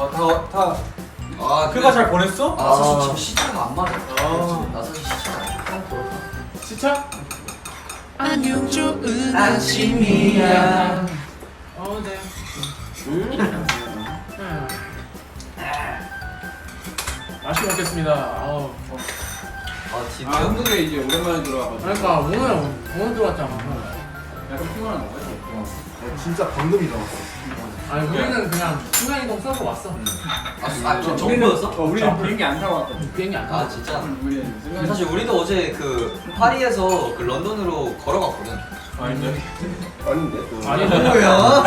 그가 잘 보냈어? 나 사실 지금 시차가 안 맞아. 나 사실 시차가 안 맞아. 시차? 안녕 좋은 아침이야. 네. 맛있게 먹겠습니다. 진짜? 한국에 이제 오랜만에 들어와가지고 그러니까 오늘 들어왔잖아. 약간 피곤한 거야? 진짜 방금 일어났어. 아니 우리는 그냥 순간이동 써서 왔어. 정보였어? 우리는 비행기 안 타고 왔거든. 비행기 안 타고. 진짜? 우리는 순간 사실 우리도 어제 그 파리에서 그 런던으로 걸어갔거든. 아닌데? 아닌데 또. 아니 뭐야?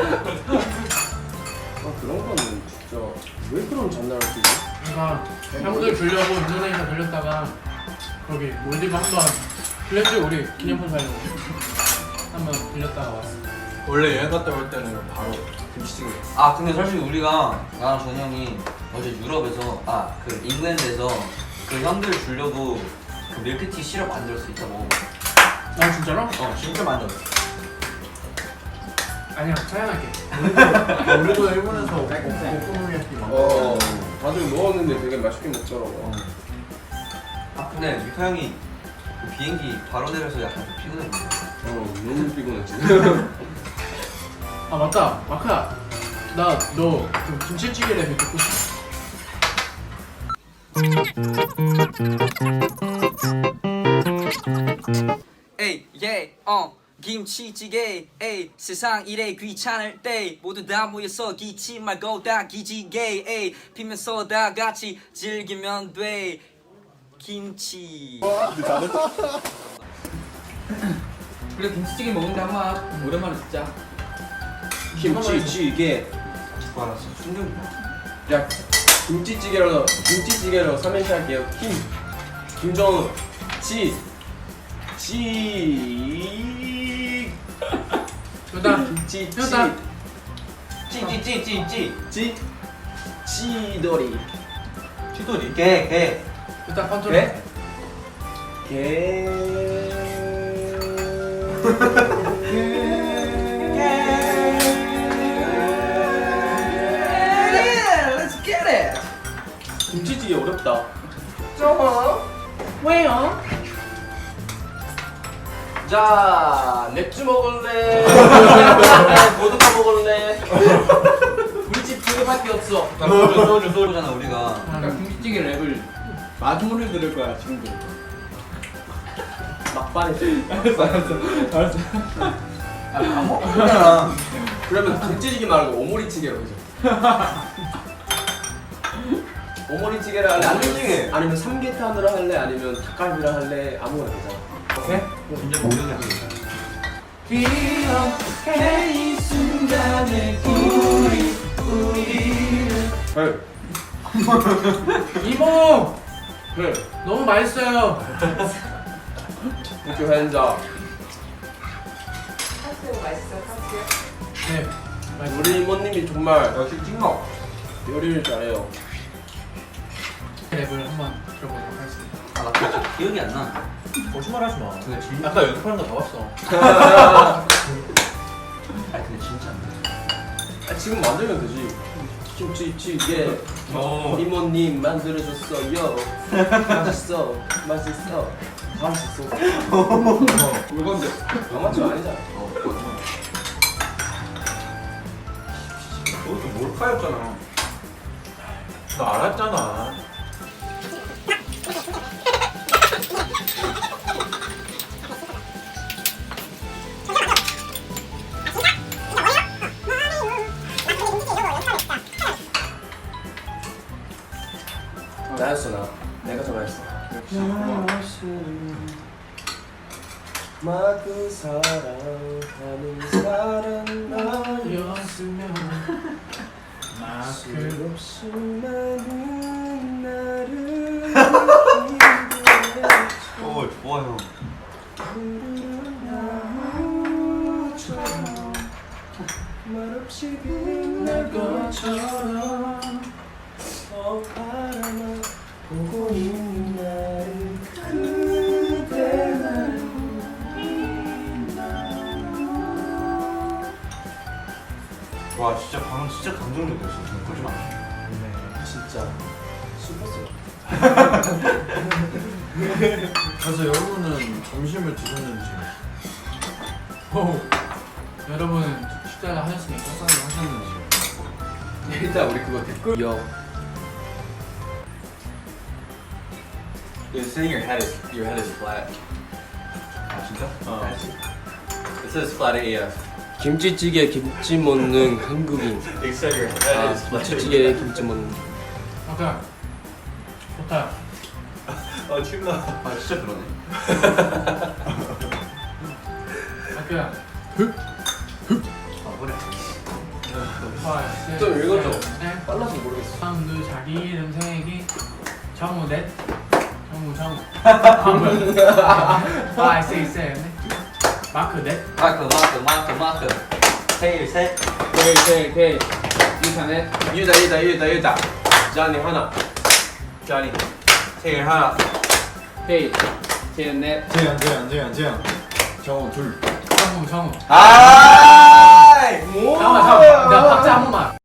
그런 거는 진짜 왜 그런 장난을 치지? 그러니까 형들 주려고 인도네시아 들렸다가 거기 몰디브 한번 들렸지 우리 기념품 사려고 한번 들렸다가 왔어. 원래 여행 갔다 올 때는 바로 김치찌개. 근데 사실 우리가 나랑 전이 형이 어제 유럽에서 그 잉글랜드에서 그 형들 주려고 그 밀크티 시럽 만들었어. 이따 먹어봐. 아 진짜로? 진짜 만들었어. 아니야 차양할게. 우리도 일본에서 오코노미야키 어 다들 먹었는데 되게 맛있게 먹더라고. 근데 유타 형이 그 비행기 바로 내려서 약간 좀 피곤해 보여. 너무 피곤했지. 아 맞다 마크야 나 너 그 김치찌개 레벨 듣고 싶어. 에이 김치찌개 에이 세상 이래 귀찮을 때 모두 다 모여서 기치 말고 다 기지개 에이 피면서 다 같이 즐기면 돼 김치. 그래 김치찌개 먹는데 한번 오랜만에 듣자. 김치찌개. 와 진짜 충격이다. 야 김치찌개로 삼행시 할게요. 김정은 효다 찌 효다 찌돌이 치돌이. 개. 효다 컨트롤. Let's get it. 김치찌개 어렵다. 왜요? 자 맥주 먹을래? 보드카 먹을래? 우리 집 두 개밖에 없어. 소주잖아 우리가. 그러니까 김치찌개 랩을 마지막으로 들을 거야 지금도. 막판에 알았어. 안 먹잖아. 그러면 김치찌개 말고 오모리찌개로 하자. 오모리찌개를 할래? 오모리찌개. 아니면 삼계탕으로 할래? 아니면 닭갈비로 할래? 아무거나 되잖아. 오케이? 진짜 모르겠어. 기억해 이 순간에 우리를 네. 이모 네. 너무 맛있어요. 이렇게 한자. 네. 우리 이모님이 정말 역시 찍먹. 요리를 잘해요. 랩을 한번 들어보도록 하겠습니다. 나 진짜 기억이 안 나. 거짓말 하지 마. 근데 진짜. 아까 연습하는 거 다 봤어. 근데 진짜 안 돼. 지금 만들면 되지. 김치찌개 이모님 만들어줬어요. 맛있어. 맛있어. 다 맛있어. 그건데 영화처럼 아니잖아. 너도 몰카였잖아. 나 알았잖아. 나였어 나. 내가 전화했어. 마구 사랑하는 사람 나였으면 마크 없이 많은 나를 좋아요. 말없이 빛날 것처럼 바라만 보고 있는 나를 그대만 와 진짜 방금 진짜 감동적이었어. 지금 보지 마. 진짜 슈퍼스타. 그래서 여러분은 점심을 드셨는지. 오. 여러분 식사를 하셨으니까 식사를 하셨는지. 일단 우리 그거 댓글. It's saying your head is flat. 아 진짜? It says flat AF. 김치찌개 김치 먹는 한국인. They said your head 아, is flat. 김치찌개 김치 먹는. 아까 좋다. 아 침나. 아 진짜 그러네. 아까 아 그래. 좀 읽어줘. 네. 빨라서 모르겠어. 사람도 자기 이름 세기 정우 넷 정우 5, 6, 7 마크 넷 마크. 세일 셋. K 유산넷 유다. 자니 하나. 자니. 생일 하나. K 제넷 재현. 정우 둘. 정우 아! 잠깐만 나 박자 한 번만